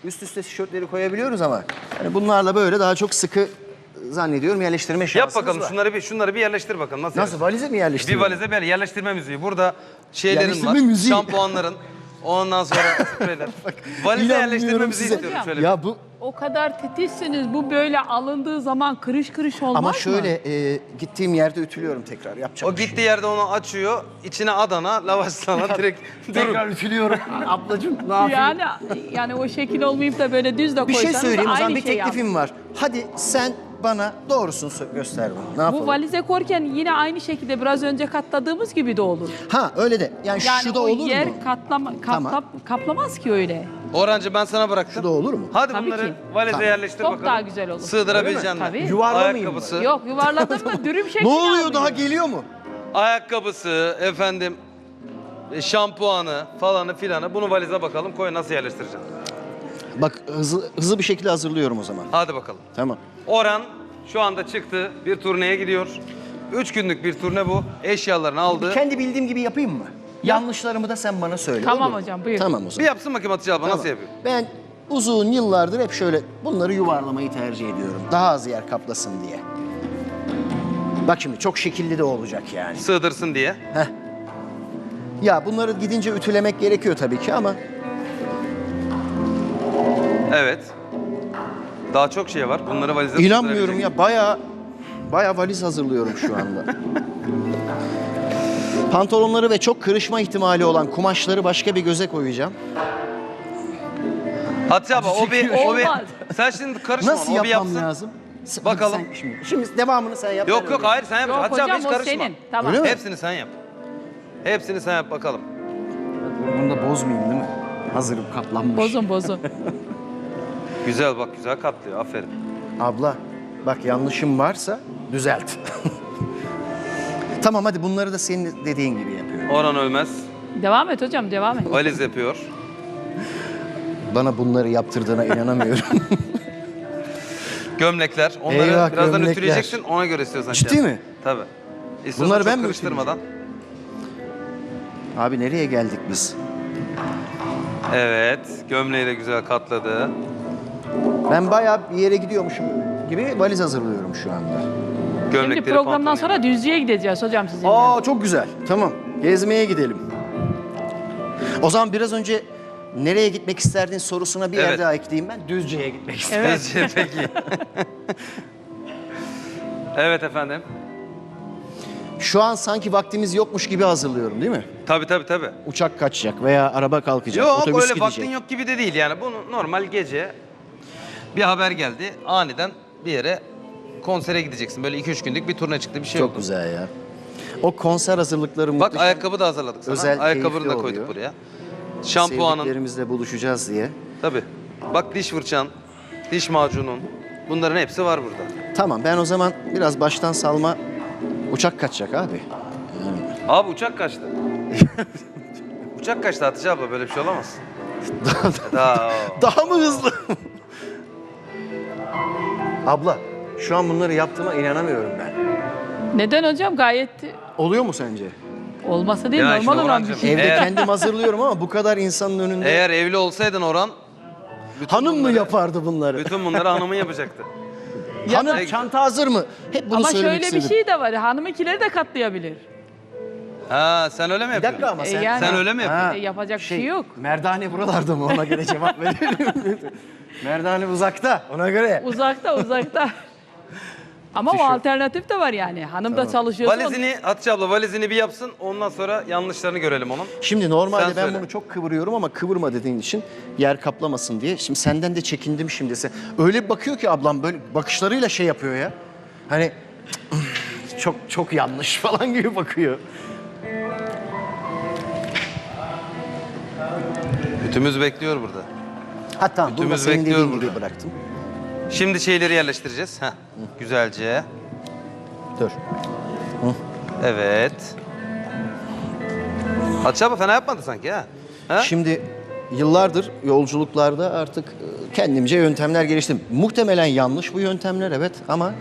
üst üste tişörtleri koyabiliyoruz ama yani bunlarla böyle daha çok sıkı zannediyorum yerleştirme şansımız Yap bakalım var. şunları bir yerleştir bakalım. Nasıl valize mi yerleştiriyor? Bir valize böyle yerleştirme müziği. Burada şeylerin Yerleştirme var. müziği. Şampuanların. Ondan sonra spreyler. Valize yerleştirme İnanmıyorum müziği size. istiyorum şöyle. Ya bu O kadar titizsiniz. Bu böyle alındığı zaman kırış kırış olmaz ama mı? şöyle gittiğim yerde ütülüyorum tekrar. Yapacak O bir şey gittiği yerde onu açıyor. İçine Adana, lavaş sana direkt yok. Tekrar ütülüyorum. Ablacığım ne yapayım? Yani o şekil olmayıp da böyle düz de Bir koysanız şey söyleyeyim o zaman aynı bir şey teklifim var. Hadi sen bana doğrusunu göster bana. Ne yapalım? Bu valize korken yine aynı şekilde biraz önce katladığımız gibi de olur. Ha öyle de. Yani, Yani şu da o olur yer mu? kaplamaz kaplamaz ki öyle. Orancı ben sana bıraktım. Şu da olur mu? Hadi Tabii bunları ki. valize Tamam. yerleştir Çok bakalım. daha güzel olur. Sığdırabileceksin mi? Tabii. Yuvarlamayayım mı? Ayakkabısı, Yok yuvarladın mı dürüm şekli Ne oluyor alıyor. daha geliyor mu? ayakkabısı, efendim şampuanı falanı filanı. Bunu valize bakalım. Koy nasıl yerleştireceksin? Bak hızlı bir şekilde hazırlıyorum o zaman. Hadi bakalım. Tamam. Orhan şu anda çıktı. Bir turneye gidiyor. 3 günlük bir turne bu. Eşyalarını aldı. Kendi bildiğim gibi yapayım mı? Yanlışlarımı da sen bana söyle. Tamam olur mu? hocam, buyur. Tamam o Bir zaman. yapsın bakayım Hatice abla nasıl yapıyor? Ben uzun yıllardır hep şöyle bunları yuvarlamayı tercih ediyorum. Daha az yer kaplasın diye. Bak şimdi çok şekilli de olacak yani. Sığdırsın diye. Heh. Ya bunları gidince ütülemek gerekiyor tabii ki ama Evet. Daha çok şey var. Bunları valize inanmıyorum sığdırabilecek. ya bayağı valiz hazırlıyorum şu anda. Pantolonları ve çok kırışma ihtimali olan kumaşları başka bir göze koyacağım. Hatice abla o bir... Olmaz. Sen şimdi karışma Nasıl ona, o bir yapmam yapsın. lazım? Bakalım. Sen şimdi devamını sen yap. ben Yok yok öyle hayır sen yap. Yok Hatice abla hocam hiç o karışma. senin. Tamam. Öyle mi? Hepsini sen yap. Hepsini sen yap bakalım. yapayım. Bunu da bozmayayım değil mi? Hazırım katlanmış. Bozun. Güzel bak güzel katlıyor aferin. Abla bak yanlışım varsa düzelt. Tamam hadi bunları da senin dediğin gibi yapıyorum. Orhan Ölmez Devam et hocam devam et. valiz yapıyor. Bana bunları yaptırdığına inanamıyorum. Gömlekler. Onları Eyvah, birazdan gömlekler. ütüleyeceksin ona göre istiyorsan. Ciddi şey yap. mi? Tabii. İstiyorsan Bunları çok ben mi karıştırmadan. Abi nereye geldik biz? Evet. Gömleği de güzel katladı. Ben bayağı bir yere gidiyormuşum gibi valiz hazırlıyorum şu anda. Şimdi Gömlekleri programdan pantolonu. sonra Düzce'ye gideceğiz hocam sizinle. Aa çok güzel. Tamam. Gezmeye gidelim. O zaman biraz önce nereye gitmek isterdin sorusuna bir yer Evet. daha ekleyeyim ben. Düzce'ye gitmek isterim. Peki, peki. Evet efendim. Şu an sanki vaktimiz yokmuş gibi hazırlıyorum değil mi? Tabii. Uçak kaçacak veya araba kalkacak, Yok otobüs öyle gidecek. vaktin yok gibi de değil yani. Bunu normal gece bir haber geldi. Aniden bir yere konsere gideceksin. Böyle 2-3 günlük bir turne çıktı bir şey Çok oldu. güzel ya. O konser hazırlıkları Bak muhteşem. ayakkabı da hazırladık sana. Özel, Ayakkabını da keyifli koyduk oluyor. buraya. Şampuanın. Sevdiklerimizle buluşacağız diye. Tabii. Bak diş fırçan, diş macunun. Bunların hepsi var burada. Tamam ben o zaman biraz baştan salma uçak kaçacak abi. Abi uçak kaçtı. Uçak kaçtı Hatice abla böyle bir şey olamaz. Daha. Daha mı hızlı? Abla şu an bunları yaptığıma inanamıyorum ben. Neden hocam gayet Oluyor mu sence? olmasa değil Ya normal şimdi olan bir Orhancığım, şey. Evde Eğer- kendim hazırlıyorum ama bu kadar insanın önünde Eğer evli olsaydın Orhan, bütün hanım mı bunları- yapardı bunları? Bütün bunları hanımın yapacaktı. Hanım da- çanta hazır mı? Hep bunu Ama söylemek şöyle istedim. bir şey de var. Hanımınkileri de katlayabilir. Ha sen öyle mi Bir yapıyorsun? dakika ama sen... yani- Sen öyle mi yapıyorsun? Yapacak bir şey yok. Merdane buralarda mı? Ona göre cevap verelim. Merdane uzakta. Ona göre. Uzakta. Ama o alternatif de var yani. Hanım da çalışıyorsa... Valizini Hatice abla valizini bir yapsın ondan sonra yanlışlarını görelim onun. Şimdi normalde Sen ben söyle. bunu çok kıvırıyorum ama kıvırma dediğin için yer kaplamasın diye. Şimdi senden de çekindim şimdi. Öyle bir bakıyor ki ablam böyle bakışlarıyla şey yapıyor ya. Hani çok yanlış falan gibi bakıyor. Bütümüz bekliyor burada. Ha tamam bunu da Bütümüz senin bekliyor dediğin gibi burada. bıraktım. Şimdi şeyleri yerleştireceğiz. Heh. Güzelce. Dur. Evet. Hatice abla fena yapmadı sanki ha. Ha? Şimdi yıllardır yolculuklarda artık kendimce yöntemler geliştirdim. Muhtemelen yanlış bu yöntemler evet ama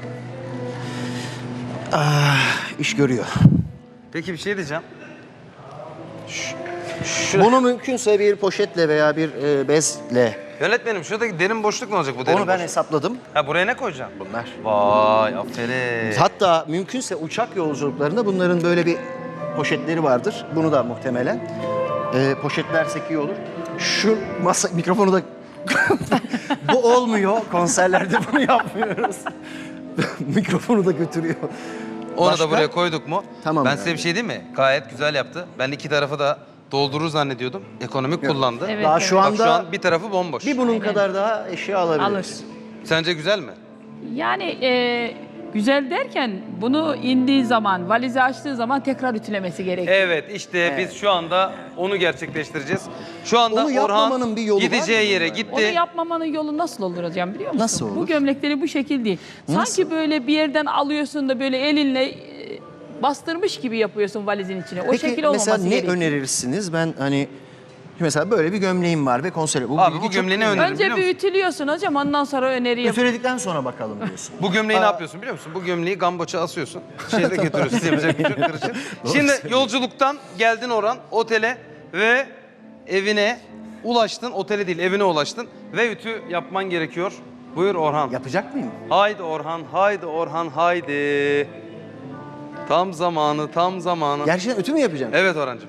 iş görüyor. Peki bir şey diyeceğim. Bunu mümkünse bir poşetle veya bir bezle Yönetmenim şuradaki derin boşluk ne olacak bu derin Onu ben boşluk? hesapladım. Ha buraya ne koyacaksın? Bunlar. Vay aferin. Hatta mümkünse uçak yolculuklarında bunların böyle bir poşetleri vardır. Bunu da muhtemelen. Poşetlersek iyi olur. Şu masa mikrofonu da bu olmuyor. Konserlerde bunu yapmıyoruz. Mikrofonu da götürüyor. Onu Başka? da buraya koyduk mu? Tamam Ben yani. size bir şey diyeyim mi? Gayet güzel yaptı. Ben iki tarafı da doldurur zannediyordum. Ekonomik kullandı. Evet, Daha evet. şu Bak anda şu an bir tarafı bomboş. bir bunun Aynen. kadar daha eşya alabiliriz. Alır. Sence güzel mi? Yani güzel derken bunu indiği zaman, valizi açtığı zaman tekrar ütülemesi gerekiyor. Evet işte biz şu anda onu gerçekleştireceğiz. Şu anda Onu yapmamanın Orhan bir yolu var gideceği mı? yere Onu gitti. yapmamanın yolu nasıl olur hocam biliyor musun? Nasıl olur? Bu gömlekleri bu şekil değil. Nasıl? Sanki böyle bir yerden alıyorsun da böyle elinle bastırmış gibi yapıyorsun valizin içine. O şekil Peki olmaması mesela ne gerekiyor. önerirsiniz? Ben hani mesela böyle bir gömleğim var ve konser. Bu Abi bilgi bu çok gömleğini kıymetli. öneririm Önce biliyor bir musun? ütülüyorsun hocam ondan sonra öneri yap. Ütüledikten sonra bakalım diyorsun. Bu gömleği ne yapıyorsun biliyor musun? Bu gömleği gamboça asıyorsun. Şeyde götürüyorsun. Yapacak bir şey yok, karışık. Şimdi yolculuktan geldin Orhan otele ve evine ulaştın. Otele değil evine ulaştın ve ütü yapman gerekiyor. Buyur Orhan. Yapacak mıyım? Haydi Orhan, haydi Orhan, haydi. Tam zamanı, tam zamanı. Gerçekten ütü mü yapacağım? Evet Orhancığım.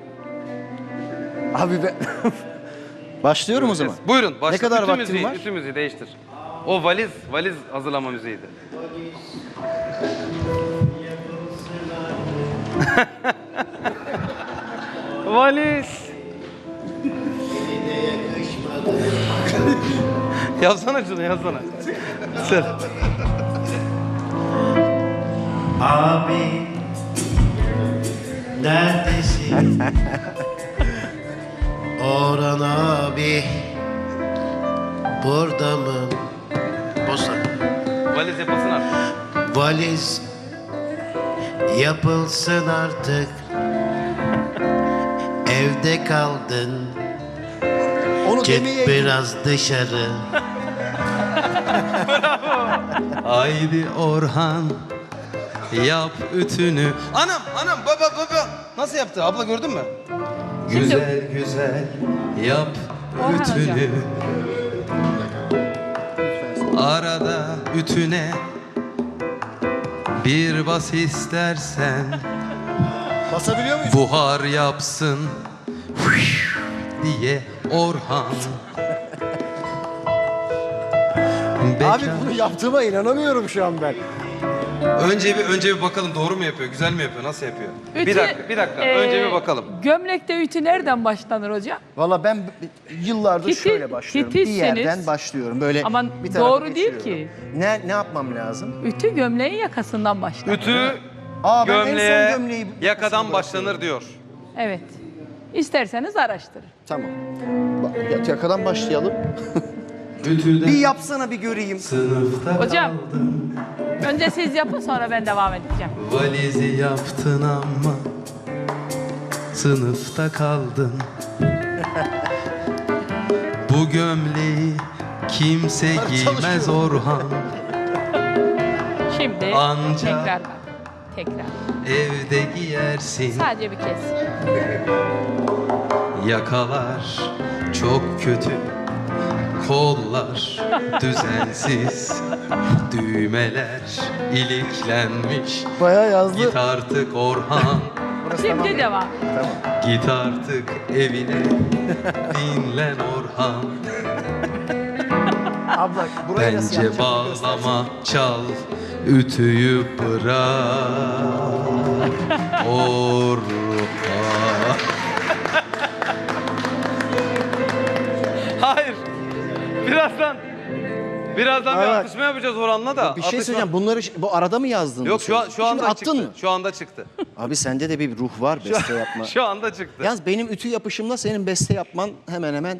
Abi ben... Başlıyorum o zaman. Buyurun başla. Ne kadar Ütü vaktim müziği, var? Ütü müziği değiştir. O valiz hazırlama müziğiydi. Valiz. Yazsana şunu yazsana. Sen. Abi neredesin? Orhan abi burada mı? Bosa. Valiz yapılsın artık. Valiz yapılsın artık. Evde kaldın. Onu Çık demeye... biraz dışarı. Haydi Orhan yap ütünü. Anam baba. Nasıl yaptı? Abla gördün mü? Şimdi- Güzel güzel yap Orhan ütünü. hocam. Arada ütüne bir bas istersen. Basabiliyor muyuz? Buhar yapsın diye Orhan. Abi bunu yaptığıma inanamıyorum şu an ben. Önce bir bakalım doğru mu yapıyor, güzel mi yapıyor, nasıl yapıyor? Ütü, bir dakika. Önce bir bakalım. Gömlekte ütü nereden başlanır hocam? Valla ben yıllardır Titiz- şöyle başlıyorum. Bir titizseniz- yerden başlıyorum. Böyle Ama bir tarafa doğru değil geçiriyorum. ki. Ne yapmam lazım? Ütü gömleğin yakasından başlar. Ütü Aa, ben en son gömleğe gömleği yakadan başlanır diyor. Evet. İsterseniz araştırın. Tamam. Yakadan başlayalım. Ütüden Bir yapsana bir göreyim. sınıfta Hocam, önce siz yapın sonra ben devam edeceğim. valizi yaptın ama sınıfta kaldın. Bu gömleği kimse giymez çalışıyor. Orhan. Şimdi Anca- tekrar bak. Tekrar. Evde giyersin. Sadece bir kez. Yakalar çok kötü, kollar düzensiz, düğmeler iliklenmiş. Bayağı yazdı. Git artık Orhan, Şimdi devam. git artık evine, dinlen Orhan. Abla burayı nasıl Bence yapacağım? bağlama, çal, ütüyü bırak Orhan. Hayır. Birazdan bir Evet. atışma yapacağız Orhan'la da. Bir şey Atışma- söyleyeceğim. Bunları bu arada mı yazdın? Yok şu Şimdi anda attın çıktı. mı? Şu anda çıktı. Abi sende de bir ruh var beste yapma. Şu anda çıktı. Yalnız benim ütü yapışımla senin beste yapman hemen hemen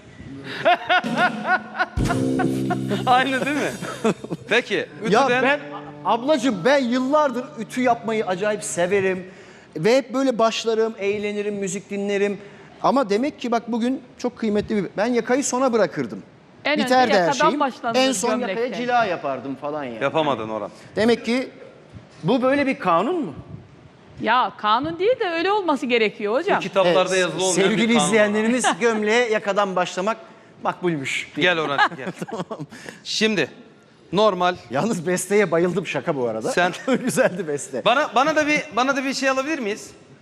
Aynı değil mi? Peki. Ya Ütüden... ben ablacığım ben yıllardır ütü yapmayı acayip severim. Ve hep böyle başlarım, eğlenirim, müzik dinlerim. Ama demek ki bak bugün çok kıymetli bir... Ben yakayı sona bırakırdım. En önce Biterdi her yakadan şeyim. başlanır En son yakaya gömlekte. cila yapardım falan ya. Yapamadın Orhan. Demek ki bu böyle bir kanun mu? Ya kanun değil de öyle olması gerekiyor hocam. Kitaplarda yazılı olmayan Sevgili bir kanun. izleyenlerimiz gömleğe yakadan başlamak makbulmuş diye. Gel Orhan gel. Şimdi normal. Yalnız besteye bayıldım, şaka bu arada. Sen- Güzeldi beste. Bana da bir şey alabilir miyiz?